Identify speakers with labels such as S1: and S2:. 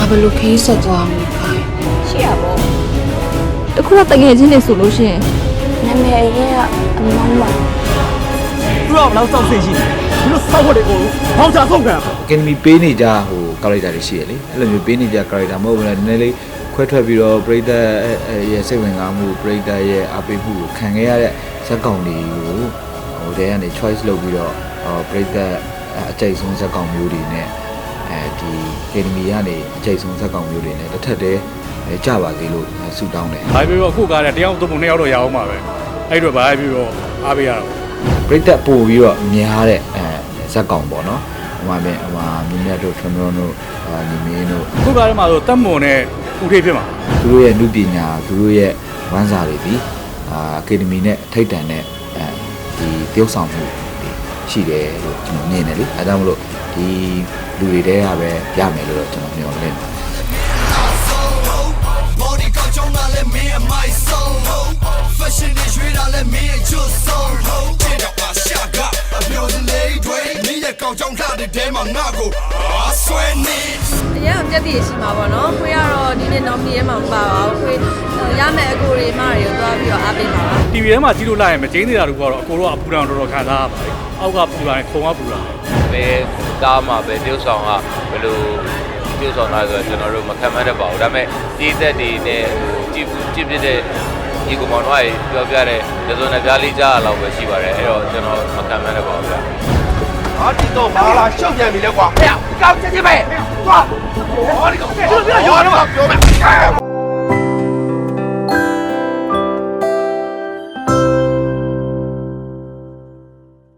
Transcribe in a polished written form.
S1: ဘယ်လိုခရီးဆက်သွားမလဲခိုင်
S2: ရှိရပေါ့
S3: တခုတော့တငယ်ချင်းတွေဆိုလို့ရှိရင်
S2: နာမည်ရင်းကအမောင်းပါ
S4: သူကဘလောက်စောင့်စိတ်ရှိနေဒီလိုစောက်ဖို့တွေကိုဘောင်ချဆုံးခံ
S5: အကယ်ဒမီပေးနေကြဟိုကာရက်တာတွေရှိရလေအဲ့လိုမျိုးပေးနေကြကာရက်တာမဟုတ်ဘူးလားနည်းနည်းလေးခွဲထွက်ပြီးတော့ပရိသတ်ရဲ့စိတ်ဝင်စားမှုပရိသတ်ရဲ့အားပေးမှုကိုခံခဲ့ရတဲ့ဇက်ကောင်တွေကိုဟိုတဲကနေ choice လုပ်ပြီးတော့ပရိသတ်အကြိုက်ဆုံးဇက်ကောင်မျိုးတွေနဲ့ဒီအကယ်ဒမီကနေအကြိုက်ဆုံးဇက်ကောင်မျိုးတွေနဲ့တစ်ထက်တည်းကြပါသေးလို့ဆုတောင်းတယ်
S6: ။ဘာပြီးတော့အခုကားတဲ့တယောက်သုံးပုံနှစ်ယောက်တော့ရအောင်ပါပဲ။အဲ့တော့ဘာပြီးတော့အားပေးရတော့
S5: ပရိသတ်ပို့ပြီးတော့များတဲ့ဇက်ကောင်ပေါ့နော်ဟိုမှာမြင်းမြတ်တို့ထွန်းထွန်းတို့ညီမင်းတို့
S6: အခုကားထဲမှာဆိုတက်မွန်နဲ့ဦးထိပ်ဖြစ်မှာ
S5: သူတို့ရဲ့နုပညာသူတို့ရဲ့ဝမ်းစာတွေဒီအကယ်ဒမီနဲ့ထိတ်တန်တဲ့ဒီတရုပ်ဆောင်မှုတွေရှိတယ်လို့ကျွန်တော်မြင်တယ်လေအဲဒါကြောင့်မလို့ဒီလူတွေတဲကပဲရမယ်လို့တော့ကျွန်တော်မျှော်လင့်တယ်
S7: Body ကောင်းချောင်းလာလဲမင်းအမိုက်ဆုံး Fashion တွေရွေးတာလဲမင်းအကျွတ်ဆုံးချစ်တော့ပါရှာကအမျိုးစလေးတွေမင်းရဲ့ကောင်းချောင်းလှတဲ့တဲမှာငါ့ကိုဆွဲနေ
S8: အရင်ကပြက်တည်ရှိမှာပေါ့နော်ခွေးကတော့ဒီနေ့တော့မြေထဲမှာမပါပါဘူးခွေးရမယ်အကိုတွေမတွေကိုသွားပြီးတော့အားပေးပါပါ
S6: ။ TV ထဲမှာကြည့်လို့လိုက်ရင်မကျင်းနေတာတို့ကတော့အကိုတော့အပူတောင်တော်တော်ခံစားရပါတယ်။အောက်ကပူလာရင်ခုံကပူလာတယ်
S9: ဘယ်ကားမှာပဲတရုတ်ဆောင်ကဘယ်လိုတရုတ်ဆောင်လာဆိုတော့ကျွန်တော်တို့မခံမတတ်ပါဘူးဒါပေမဲ့ဒီသက်တွေနဲ့ကြည့်ပြတဲ့ဒီကောင်မောင်တို့ကပြောပြတဲ့ဒဇွန်နဲ့ပြားလေးကြားရလောက်ပဲရှိပါတယ်အဲ့တော့ကျွန်တော်မခံမတတ်ပါဘူးဗျာ
S7: ဟာဒီတော့ဘာလာရှောက်ပြန်ပြီလဲကွာဟဲ့ကောင်းချက်ချင်းပဲသွားဟောဒီကောင်ပြောတော့ပြောမယ်